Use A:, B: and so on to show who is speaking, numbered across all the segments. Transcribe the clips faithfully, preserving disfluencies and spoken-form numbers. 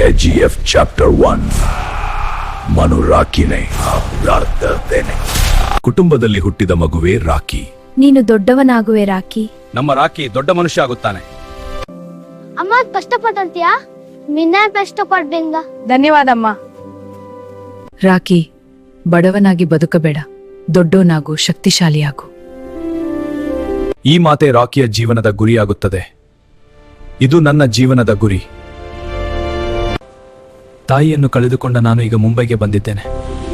A: KGF chapter one. ಮನು ರಾಕಿನೇ ಅಪ್ರಾರ್ಥನೆ. ಕುಟುಂಬದಲ್ಲಿ ಹುಟ್ಟಿದ ಮಗುವೆ ರಾಕಿ.
B: ನೀನು ದೊಡ್ಡವನಾಗುವೆ ರಾಕಿ.
C: ನಮ್ಮ ರಾಕಿ ದೊಡ್ಡ ಮನುಷ್ಯ ಆಗುತ್ತಾನೆ.
D: ಅಮ್ಮ ಕಷ್ಟಪಟ್ಟಂತೀಯಾ? ನಿನ್ನ ಕಷ್ಟಪಡ್ಬೇಂಗ.
B: ಧನ್ಯವಾದಮ್ಮ. ರಾಕಿ, ಬಡವನಾಗಿ ಬದುಕಬೇಡ, ದೊಡ್ಡೋನಾಗು, ಶಕ್ತಿಶಾಲಿಯಾಗು.
A: ಈ ಮಾತೆ ರಾಕಿಯ ಜೀವನದ ಗುರಿಯಾಗುತ್ತದೆ. ಇದು ನನ್ನ ಜೀವನದ ಗುರಿ. ತಾಯಿಯನ್ನು ಕಳೆದುಕೊಂಡ ನಾನು ಈಗ ಮುಂಬೈಗೆ ಬಂದಿದ್ದೇನೆ.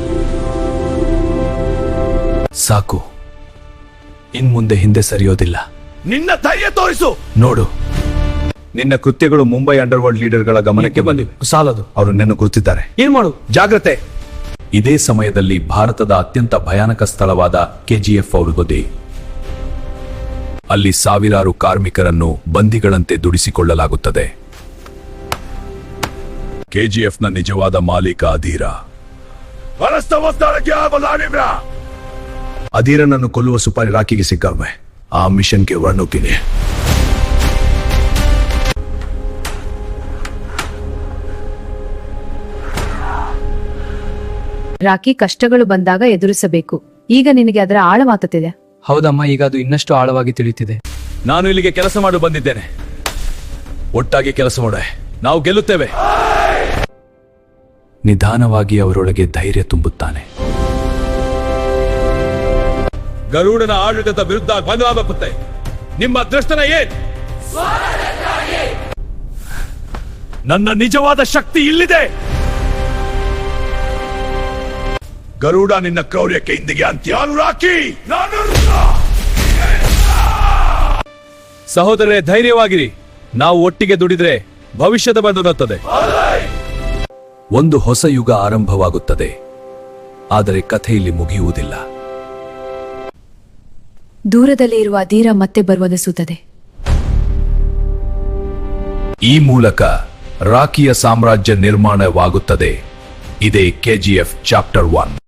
A: ಸಾಕು, ಇನ್ ಮುಂದೆ ಹಿಂದೆ ಸರಿಯೋದಿಲ್ಲ.
C: ನಿನ್ನ ಧೈರ್ಯ ತೋರಿಸು.
A: ನೋಡು, ನಿನ್ನ ಕೃತ್ಯಗಳು ಮುಂಬೈ ಅಂಡರ್ ವರ್ಲ್ಡ್ ಲೀಡರ್ಗಳ ಗಮನಕ್ಕೆ ಬಂದಿವೆ. ಸಾಲದು, ಅವರು ನಿನ್ನ ಗುರುತಿದ್ದಾರೆ.
C: ಏನ್ ಮಾಡು?
A: ಜಾಗ್ರತೆ. ಇದೇ ಸಮಯದಲ್ಲಿ ಭಾರತದ ಅತ್ಯಂತ ಭಯಾನಕ ಸ್ಥಳವಾದ ಕೆಜಿಎಫ್ ಔರುಗೋದೆ. ಅಲ್ಲಿ ಸಾವಿರಾರು ಕಾರ್ಮಿಕರನ್ನು ಬಂದಿಗಳಂತೆ ದುಡಿಸಿಕೊಳ್ಳಲಾಗುತ್ತದೆ. ಕೆಜಿಎಫ್ ನ ನಿಜವಾದ ಮಾಲೀಕ ಅಧೀರ. ಅಧೀರನನ್ನು ಕೊಲ್ಲುವ ಸುಪಾರಿ ರಾಕಿಗೆ ಸಿಕ್ಕವೆ. ಆ ಮಿಷನ್ಗೆ ವರ್ಣುಕಿನಿ.
B: ರಾಕಿ, ಕಷ್ಟಗಳು ಬಂದಾಗ ಎದುರಿಸಬೇಕು. ಈಗ ನಿನಗೆ ಅದರ ಆಳ ಮಾತುತ್ತಿದೆ.
E: ಹೌದಮ್ಮ, ಈಗ ಅದು ಇನ್ನಷ್ಟು ಆಳವಾಗಿ ತಿಳಿಯುತ್ತಿದೆ.
A: ನಾನು ಇಲ್ಲಿಗೆ ಕೆಲಸ ಮಾಡು ಬಂದಿದ್ದೇನೆ. ಒಟ್ಟಾಗಿ ಕೆಲಸ ಮಾಡ, ನಾವು ಗೆಲ್ಲುತ್ತೇವೆ. ನಿಧಾನವಾಗಿ ಅವರೊಳಗೆ ಧೈರ್ಯ ತುಂಬುತ್ತಾನೆ.
C: ಗರುಡನ ಆಡಳಿತದ ವಿರುದ್ಧ ಬಂದಾಗುತ್ತೆ. ನಿಮ್ಮ ದೃಷ್ಟನ ಏನ್?
A: ನನ್ನ ನಿಜವಾದ ಶಕ್ತಿ ಇಲ್ಲಿದೆ. ಗರುಡ, ನಿನ್ನ ಕ್ರೌರ್ಯಕ್ಕೆ ಇಂದಿಗೆ ಅಂತ್ಯ. ರಾಕಿ,
C: ಸಹೋದರರೇ, ಧೈರ್ಯವಾಗಿರಿ. ನಾವು ಒಟ್ಟಿಗೆ ದುಡಿದ್ರೆ ಭವಿಷ್ಯದ ಬಂದೊನ್ನುತ್ತದೆ.
A: ಒಂದು ಹೊಸ ಯುಗ ಆರಂಭವಾಗುತ್ತದೆ. ಆದರೆ ಕಥೆ ಇಲ್ಲಿ ಮುಗಿಯುವುದಿಲ್ಲ.
B: ದೂರದಲ್ಲಿ ಇರುವ ಅಧೀರ ಮತ್ತೆ ಬರುವನಿಸುತ್ತದೆ.
A: ಈ ಮೂಲಕ ರಾಕಿಯ ಸಾಮ್ರಾಜ್ಯ ನಿರ್ಮಾಣವಾಗುತ್ತದೆ. ಇದೇ ಕೆಜಿಎಫ್ ಚಾಪ್ಟರ್ ಒನ್.